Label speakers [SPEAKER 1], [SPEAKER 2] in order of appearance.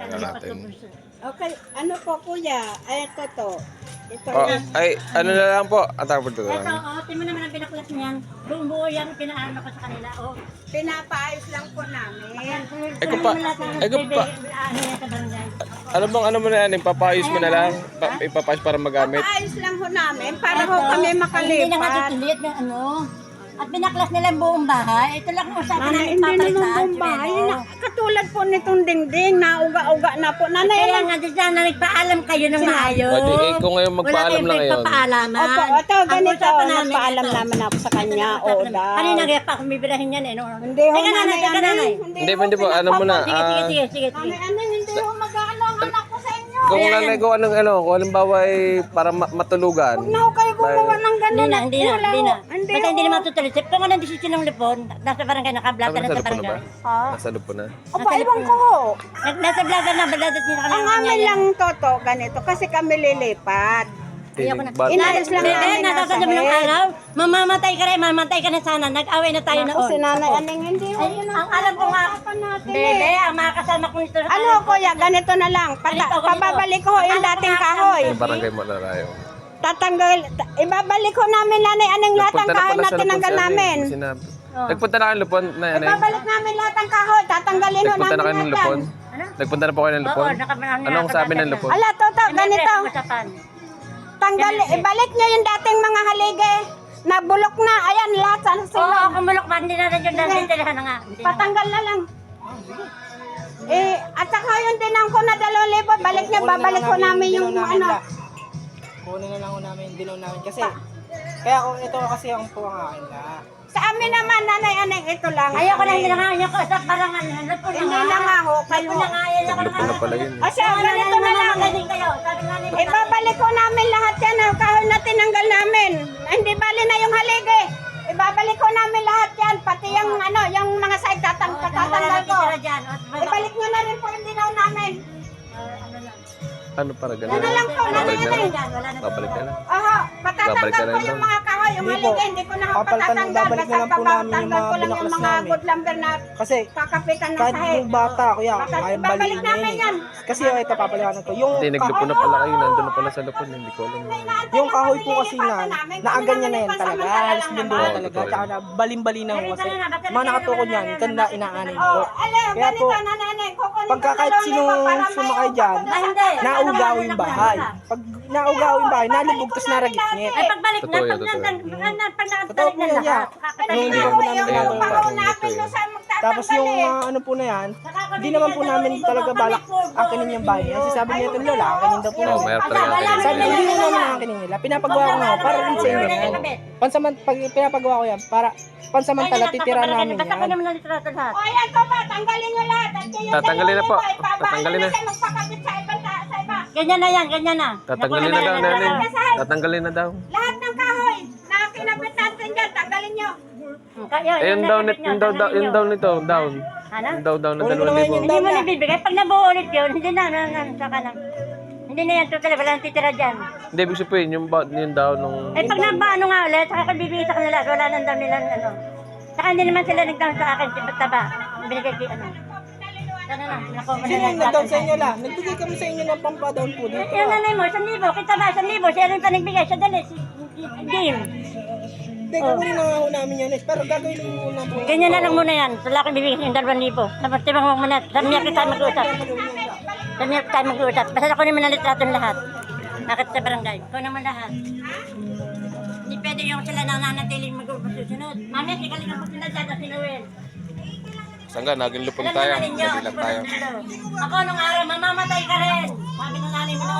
[SPEAKER 1] Tingnan natin.
[SPEAKER 2] Okay, ano po kuya? Ay, ito. Ito
[SPEAKER 1] Oh,
[SPEAKER 2] yan.
[SPEAKER 1] ay, ano na lang po? Atapon to
[SPEAKER 3] Ito,
[SPEAKER 1] lang.
[SPEAKER 3] tingnan mo naman ang binaklas niyan. Buong buo yan, pinaano ko sa kanila.
[SPEAKER 2] Pinapaayos lang po namin.
[SPEAKER 1] Ay, kung pa- ay, kung pa-
[SPEAKER 3] Ano yan sa barangay.
[SPEAKER 1] Ano mo na yan? Ipapayos mo na lang? Ipapayos para magamit?
[SPEAKER 2] Paayos lang ho namin para ho
[SPEAKER 3] Ito,
[SPEAKER 2] kami
[SPEAKER 3] Hindi na
[SPEAKER 2] makalipat.
[SPEAKER 3] matitilit ng ano. At binaklas nila ang buong bahay. Ito lang kung saan
[SPEAKER 2] Nanay,
[SPEAKER 3] namin
[SPEAKER 2] hindi naman
[SPEAKER 3] papalitan.
[SPEAKER 2] pong bahay. Katulad po nitong dingding, nauga-uga na po. Nanay,
[SPEAKER 3] Kaya nga dyan na nagpaalam kayo ng maayos.
[SPEAKER 1] Pwede, kung ngayon magpaalam lang ngayon.
[SPEAKER 3] Pagpapaalaman.
[SPEAKER 2] Opo, ito,
[SPEAKER 3] Ang
[SPEAKER 2] ganito.
[SPEAKER 3] usapan namin,
[SPEAKER 2] Nagpaalam
[SPEAKER 3] ito.
[SPEAKER 2] naman ako sa kanya. Oo daw.
[SPEAKER 3] Kanina kaya pa akong bibirahin yan eh. No?
[SPEAKER 2] Hindi ho,
[SPEAKER 3] Teka nanay, teka nanay.
[SPEAKER 1] Hindi po, ano mo na.
[SPEAKER 3] Sige.
[SPEAKER 2] Nanay, hindi ho mag-ano ang anak ko sa inyo.
[SPEAKER 1] Kung nanay ko kung halimbawa ay para matulugan.
[SPEAKER 2] Huwag na ho kayo gumawa ng gano'n.
[SPEAKER 3] Hindi na.
[SPEAKER 2] Hindi
[SPEAKER 3] Basta hindi
[SPEAKER 2] ho.
[SPEAKER 3] na matutuloy. Kung ano desisyon ng lipon, nasa barangay, nakablog ka na sa
[SPEAKER 1] Nasa lupo na ba?
[SPEAKER 3] barangay.
[SPEAKER 2] Ha?
[SPEAKER 1] Nasa lupo na.
[SPEAKER 2] Opo, ewan ko ho.
[SPEAKER 3] Nasa vlog na, baladat niya
[SPEAKER 2] Ang amin lang toto, ganito, kasi kami lilipat.
[SPEAKER 3] Ayoko na.
[SPEAKER 2] Inayos lang
[SPEAKER 3] Bebe,
[SPEAKER 2] namin
[SPEAKER 3] natatanggap
[SPEAKER 2] nasa
[SPEAKER 3] ng
[SPEAKER 2] head.
[SPEAKER 3] araw. Mamamatay ka rin, mamatay ka na sana. Nag-away na tayo
[SPEAKER 2] Ako si
[SPEAKER 3] noon.
[SPEAKER 2] Nanay Aning, hindi ho.
[SPEAKER 3] Ay,
[SPEAKER 2] Yun
[SPEAKER 3] ang alam ko nga,
[SPEAKER 2] usapan natin
[SPEAKER 3] Bebe,
[SPEAKER 2] eh.
[SPEAKER 3] ang mga kasama ko nito.
[SPEAKER 2] Ano kuya, ganito na lang.
[SPEAKER 3] Ganito.
[SPEAKER 2] Pababalik ko yung dating kahoy.
[SPEAKER 1] Yung barangay mo na tayo.
[SPEAKER 2] Ibabalik ko namin Nanay Aning lahat ng kahoy na tinanggal namin.
[SPEAKER 1] Sinabi.
[SPEAKER 3] Oh.
[SPEAKER 1] Nagpunta na kayo ng lupon na yan eh.
[SPEAKER 2] Ibabalik namin lahat ng kahoy. Tatanggalin ho
[SPEAKER 1] Nagpunta na kayo
[SPEAKER 2] namin
[SPEAKER 1] ng
[SPEAKER 2] lahat
[SPEAKER 1] lupon.
[SPEAKER 2] yan.
[SPEAKER 3] Ano?
[SPEAKER 1] Nagpunta na po kayo ng lupon. Anong sabi ng lupon?
[SPEAKER 2] Ala, toto, ganito. Tanggal, ibalik niyo yung dating mga halige. Nabulok na. Ayan, lahat sa
[SPEAKER 3] Oo,
[SPEAKER 2] sila.
[SPEAKER 3] kumulok ba? Hindi na rin yung nanditirahan na nga. Hindi na.
[SPEAKER 2] Patanggal na lang. At saka yung dinang ko na 2,000, balik niya, babalik ko namin yung ano.
[SPEAKER 4] Kunin na lang ko namin yung dilaw namin kasi kaya kung ito kasi ang akin la.
[SPEAKER 2] Sa amin naman, Nanay Aning, ito lang.
[SPEAKER 3] Ayoko na, hindi na nga. Ayoko sa barangan. Lupon na
[SPEAKER 2] Hindi
[SPEAKER 3] nga.
[SPEAKER 2] na nga ho, kayo.
[SPEAKER 3] Lupon na nga. Ayoko na
[SPEAKER 1] Lupon na pala yun.
[SPEAKER 2] O siya, ganito na lang.
[SPEAKER 3] Magaling kayo. Sabi nga nila.
[SPEAKER 2] Ibabalik ko namin lahat yan, kahoy na tinanggal namin. Hindi bali na yung halige. Ibabalik ko namin lahat yan, pati yung ano, yung mga side tatanggal ko. Ibalik nyo na rin po yung dinaw namin.
[SPEAKER 1] Ano para ganun?
[SPEAKER 2] Ano lang po,
[SPEAKER 1] Babalik na lang.
[SPEAKER 3] Babalik
[SPEAKER 1] Babalik na lang.
[SPEAKER 2] Oho,
[SPEAKER 1] Babalik
[SPEAKER 2] patatanggal
[SPEAKER 1] ka
[SPEAKER 2] ko
[SPEAKER 1] rin
[SPEAKER 2] yung
[SPEAKER 1] doon.
[SPEAKER 2] mga kahoy, yung
[SPEAKER 4] Hindi po.
[SPEAKER 2] halige, hindi ko na ho
[SPEAKER 4] Papalitan,
[SPEAKER 2] patatanggal.
[SPEAKER 4] babalik na lang po namin yung
[SPEAKER 2] Tanggal
[SPEAKER 4] mga
[SPEAKER 2] ko lang yung
[SPEAKER 4] binaklas
[SPEAKER 2] mga
[SPEAKER 4] namin.
[SPEAKER 2] good lumber na
[SPEAKER 4] Kasi
[SPEAKER 2] kakapitan ng
[SPEAKER 4] kahit
[SPEAKER 2] sahig.
[SPEAKER 4] yung bata kuya,
[SPEAKER 2] Baka
[SPEAKER 4] ay
[SPEAKER 2] ibabalik
[SPEAKER 4] baliin na
[SPEAKER 2] namin
[SPEAKER 4] yun
[SPEAKER 2] yan.
[SPEAKER 4] eh. Kasi ito papaliwanan ko. Yung
[SPEAKER 1] Hindi, naglupon na pala kayo. Nandun na pala sa lupon. Hindi ko alam.
[SPEAKER 4] yung kahoy po kasi na naaganyan na yan talaga. Halos mundo na
[SPEAKER 1] naman.
[SPEAKER 4] talaga. Tsaka na balim-bali na ho kasi. Mga nakatukod yan, kanda inaanin
[SPEAKER 2] Oh,
[SPEAKER 4] po.
[SPEAKER 2] alam,
[SPEAKER 4] Kaya
[SPEAKER 2] ganito
[SPEAKER 4] po,
[SPEAKER 2] na nanay, kukunin
[SPEAKER 4] pagka
[SPEAKER 2] ko
[SPEAKER 4] kahit
[SPEAKER 2] dalawang
[SPEAKER 4] sino
[SPEAKER 2] libo para may
[SPEAKER 4] sumakay dyan,
[SPEAKER 2] upo ko doon
[SPEAKER 3] Hindi.
[SPEAKER 2] sa
[SPEAKER 4] naugaw yung bahay. Pag naugaw yung bahay, nalubog tas naragitngit.
[SPEAKER 3] Ay, pagbalik na,
[SPEAKER 1] Totoo yan,
[SPEAKER 3] pag
[SPEAKER 1] totoo.
[SPEAKER 3] nakatalik
[SPEAKER 4] Totoo po
[SPEAKER 3] na
[SPEAKER 4] yan,
[SPEAKER 3] lahat.
[SPEAKER 4] Nung hindi
[SPEAKER 2] Yung
[SPEAKER 4] po namin
[SPEAKER 2] yung
[SPEAKER 4] ginagawa.
[SPEAKER 2] pahaw namin doon sa magtatanggal
[SPEAKER 4] Tapos yung
[SPEAKER 2] eh.
[SPEAKER 4] ano po na yan, hindi naman po namin talaga balak akinin yung bahay. Kasi sabi niya itong lola, akinin daw po
[SPEAKER 1] Oo,
[SPEAKER 4] namin.
[SPEAKER 1] mayroon talaga kayo.
[SPEAKER 4] Sabi hindi mo naman akinin nila, pinapagawa ko nga ako, para rin sa inyo yan. Pag pinapagawa ko yan, para pansamantala titira namin
[SPEAKER 3] Basta ko
[SPEAKER 4] yan.
[SPEAKER 3] naman ang litrato lahat.
[SPEAKER 2] O ayan po ba, tanggalin nyo lahat. At yung
[SPEAKER 1] Tatanggalin na po.
[SPEAKER 2] dalawang libo, ibabalik
[SPEAKER 1] Tatanggalin na.
[SPEAKER 2] siya magpakabit sa iba.
[SPEAKER 3] Ganyan na yan, ganyan na.
[SPEAKER 1] Tatanggalin na daw, nanay. Tatanggalin na daw.
[SPEAKER 2] Lahat ng kahoy na kinabit natin dyan, tanggalin nyo.
[SPEAKER 1] Eh, yung down nito, down.
[SPEAKER 3] Ano?
[SPEAKER 1] Yung down na
[SPEAKER 4] Kunin ko
[SPEAKER 1] 2,000.
[SPEAKER 4] naman yung
[SPEAKER 3] Hindi mo nabibigay. Pag nabuo ulit yun, hindi na, saka na. Hindi na yan total, wala nang titira dyan.
[SPEAKER 1] Hindi, ibig sabihin, yung down nung...
[SPEAKER 3] Eh pag nabaano nga ulit, saka ko bibigay sa kanila, wala nang daw nilang ano. Saka hindi naman sila nagdown sa akin, taba. Binigay kay ano. Sana na, nakuha mo na
[SPEAKER 4] Sino
[SPEAKER 3] lang
[SPEAKER 4] yung nag-down sa inyo la? Nagbigay kami sa inyo ng pampa-down po dito.
[SPEAKER 3] Yung nanay mo, 1,000, kita ba, 1,000, siya rin pa nagbigay, siya dali, si Jim.
[SPEAKER 4] Hindi, kukunin na nga ho namin yan. Pero gagawin lang muna po.
[SPEAKER 3] Ganyan na lang muna yan, wala akong bibigay yung 2,000. Tapos tibang mo muna, sa miyak tayo mag-uusap. Sa miyak tayo mag-uusap, basta ako naman ang litrato lahat. Bakit sa barangay, ko naman lahat. Hindi pwede yung sila nananatiling mag-uusap susunod. Mami, kikalingan mo sila dyan, si Noel.
[SPEAKER 1] Sangga, naging lupon
[SPEAKER 3] Alam
[SPEAKER 1] tayo.
[SPEAKER 3] naman ninyo,
[SPEAKER 1] Nabilang tayo.
[SPEAKER 3] ako nung araw, mamamatay ka rin. Sabi ng nanay mo